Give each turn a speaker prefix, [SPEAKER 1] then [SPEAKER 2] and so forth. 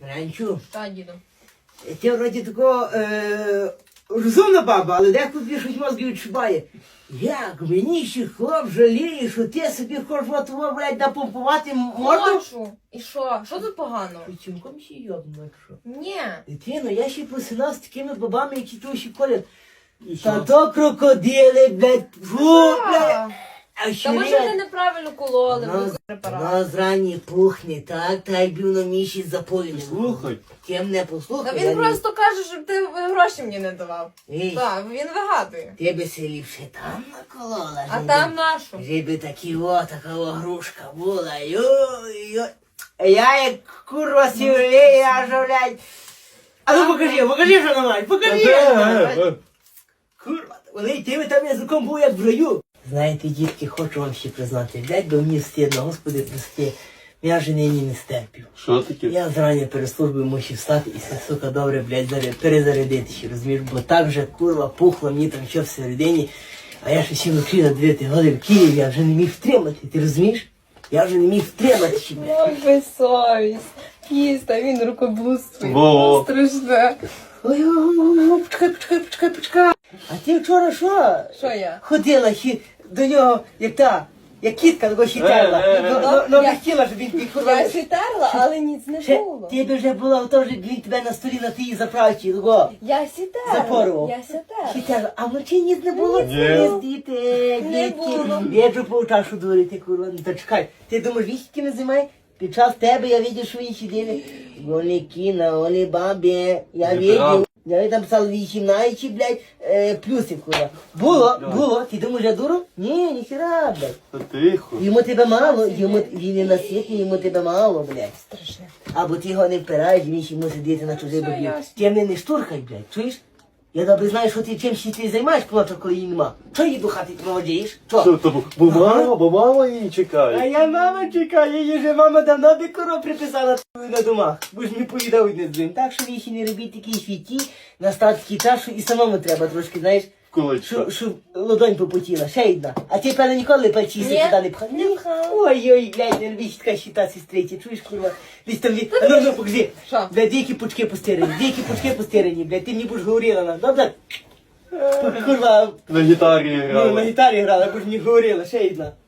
[SPEAKER 1] Ранчу,
[SPEAKER 2] Та, діду.
[SPEAKER 1] ти вроді такого розумна баба, але деколи щось мозги відчуває. Як мені ще хлоп жаліє, що ти собі хочеш отого, блядь, напомпувати морду?
[SPEAKER 2] Хочу. І що? Що тут погано?
[SPEAKER 1] Ти цілком ще йобну, що?
[SPEAKER 2] Ні.
[SPEAKER 1] Дитино, я ще посинав з такими бабами, які то ще колять. Та то крокодили, блядь, фу, блядь. А
[SPEAKER 2] Та може вони неправильно кололи, без препарату.
[SPEAKER 1] Вона зрані пухне, так якби воно міші запоїли.
[SPEAKER 3] Слухай.
[SPEAKER 1] Ти мене
[SPEAKER 2] Та
[SPEAKER 1] послухай.
[SPEAKER 2] він просто каже, щоб ти гроші мені не давав.
[SPEAKER 1] Ей,
[SPEAKER 2] Так, він вигадує.
[SPEAKER 1] ти би се ліпше там наколола.
[SPEAKER 2] А там нашу.
[SPEAKER 1] Жиби такі така грушка була. Йой. Я як курва сівлею, аж, блядь. А ну покажи, що на мають, покажи. Курва, вони ти там язиком був як в раю. Знаєте, дітки, хочу вам ще признати, блядь, бо мені стидно, господи, прости, я вже нині не стерпів.
[SPEAKER 3] Що таке?
[SPEAKER 1] Я зрання перед службою мусив встати і все, сука, добре, блядь, перезарядити ще, розумієш, бо так же, курва, пухло мені там що всередині, а я ще сів вночі на 9 годин в Києві, я вже не міг втримати, ти розумієш? Я вже не міг втримати ще, блядь.
[SPEAKER 2] Ой, безсовість. Кіста, він рукоблудствує.
[SPEAKER 3] Во.
[SPEAKER 2] Страшне.
[SPEAKER 1] Ой, почекай. А ти вчора що?
[SPEAKER 2] Що я?
[SPEAKER 1] Ходила ще до нього, як кітка, такого ще терла. Ну,
[SPEAKER 2] Я-
[SPEAKER 1] хотіла, щоб він підходив.
[SPEAKER 2] Я сітерла, але ніц не
[SPEAKER 1] Ще,
[SPEAKER 2] було.
[SPEAKER 1] ти б вже була в тому, що він тебе на столі на тій заправці, такого.
[SPEAKER 2] Я сітерла.
[SPEAKER 1] Запорував.
[SPEAKER 2] Я сітерла.
[SPEAKER 1] Хітяла, а вночі ніц не було.
[SPEAKER 3] Ні.
[SPEAKER 1] Діти,
[SPEAKER 2] Не
[SPEAKER 1] дітки.
[SPEAKER 2] було.
[SPEAKER 1] Віджу по чашу дурити, курва. Ну, та чекай, ти думаєш, вісь якими займає? Під час тебе я видів, що ви сиділи. Вони кіна, вони бабі. Я
[SPEAKER 3] Неправда.
[SPEAKER 1] видів. Я там писав 18, блядь, плюсів, курва. Було. Ти думаєш, я дуру? Ні, ніхера, блядь.
[SPEAKER 3] Та тихо.
[SPEAKER 1] Йому тебе мало, він не наситний, йому тебе мало, блядь.
[SPEAKER 2] Страшне.
[SPEAKER 1] Або ти його не впираєш, він ще мусить діти на чужий
[SPEAKER 2] Все
[SPEAKER 1] бобів.
[SPEAKER 2] ясно.
[SPEAKER 1] Ти мене не штурхай, блядь, чуєш? Я добре знаю, що ти чим ще ти займаєш, коли її нема. Чого її до хати ти проводжаєш?
[SPEAKER 3] Що то? Бо мама її
[SPEAKER 1] А
[SPEAKER 3] чекає.
[SPEAKER 1] я мама чекаю, її же мама давно би коро приписала на домах. Бо ж не поїдав одне з другим. Так що ви ще не робіть такі світі, настав такий час, що і самому треба трошки, знаєш,
[SPEAKER 3] Кулачка.
[SPEAKER 1] щоб ладонь попотіла, ще одна. А ти, певно, ніколи пальці
[SPEAKER 2] Ні,
[SPEAKER 1] туди не пхав?
[SPEAKER 2] не пхав.
[SPEAKER 1] Ой, блядь, не робіть така щита сестриці, чуєш, курва? Десь там, ну, покажи.
[SPEAKER 2] Що?
[SPEAKER 1] Блядь, деякі пучки постирані, блядь, ти мені будеш говорила на, добре? Курва,
[SPEAKER 3] На гітарі
[SPEAKER 1] ну, на
[SPEAKER 3] грала.
[SPEAKER 1] гітарі грала, бо ж не говорила, ще одна.